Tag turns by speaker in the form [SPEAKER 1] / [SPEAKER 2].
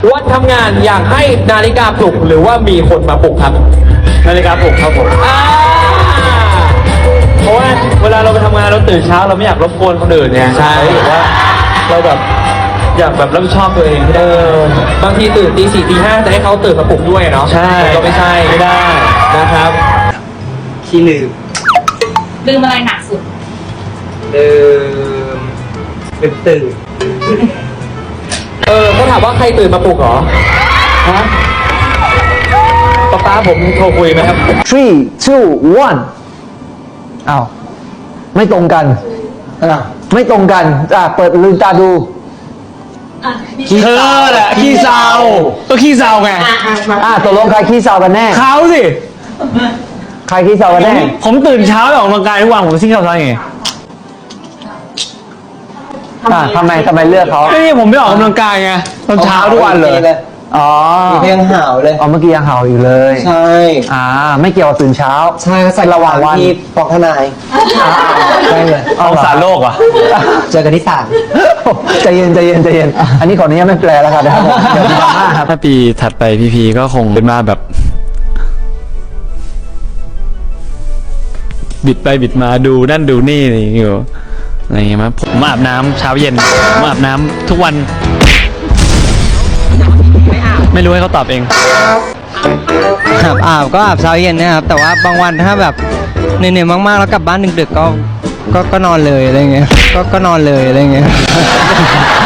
[SPEAKER 1] วันทำงานอยากให้นาฬิกาปลุกหรือว่ามีคนมาปลุกครับนาฬิกาปลุกครับผมเพราะว่าเวลาเราไปทำงานเราตื่นเช้าเราไม่อยากรบกวนคนอื่นเนี่ยใช่หรือว่าเราแบบอยากแบบรับผิดชอบตัวเองให้ได้บางทีตื่นตี 4 ตี 5จะให้เขาตื่นมาปลุกด้วยเนาะใช่ก็ไม่ใช่ไม่ได้นะครับขี้ลืม
[SPEAKER 2] อะไรหนักสุด
[SPEAKER 1] ตื่นเขาถามว่าใครตื่นมาปลุกเหรอฮะป๊าผมโทรคุยไหมครับ
[SPEAKER 3] 3 2 1อ้าวไม่ตรงกันไม่ตรงกันเปิดลืมตาดู
[SPEAKER 4] เธอแหละขี้เศร้าก็ขี้เศร้าไง
[SPEAKER 3] ตกลงใครขี้เศร้ากันแน่
[SPEAKER 4] เขาสิ
[SPEAKER 3] ใครขี้เศร้ากันแน่
[SPEAKER 4] ผมตื่นเช้าออกกำลังกายทุกวันผมขี้เศร้าไง
[SPEAKER 3] ทำไมเลือกเขา
[SPEAKER 4] นี่ผมไม่ออกกำลังกายไงตอนเช้าทุกวันเลย
[SPEAKER 3] อ๋อ
[SPEAKER 5] ยังห่าวเลย
[SPEAKER 3] เมื่อกี้ยังห่าวอยู่เลย
[SPEAKER 5] ใช่
[SPEAKER 3] ไม่เกี่ยวกับตื่นเช้า
[SPEAKER 5] ใช่ใส่ระหว่างวันที่ปอกทนายใช่เลย
[SPEAKER 4] เอาสารโลกอ่ะ
[SPEAKER 5] เจอกันที่ศาล
[SPEAKER 3] ใจเย็นอันนี้ขออนุญาตไม่แปลแล้วครับเดี๋ยวดราม่าครับ
[SPEAKER 4] ถ้าปีถัดไปพีก็คงเป็นมาแบบบิดไปบิดมาดูนั่นดูนี่อยู่อะไรเงี้ยมั้ยผมอาบน้ำเช้าเย็นผมอาบน้ำทุกวันไม่รู้ให้เขาตอบเอง
[SPEAKER 5] อาบก็อาบเช้าเย็นนะครับแต่ว่าบางวันถ้าแบบเหนื่อยๆมากๆแล้วกลับบ้านดึกๆก็นอนเลยอะไรเงี้ยก็นอนเลยอะไรเงี้ย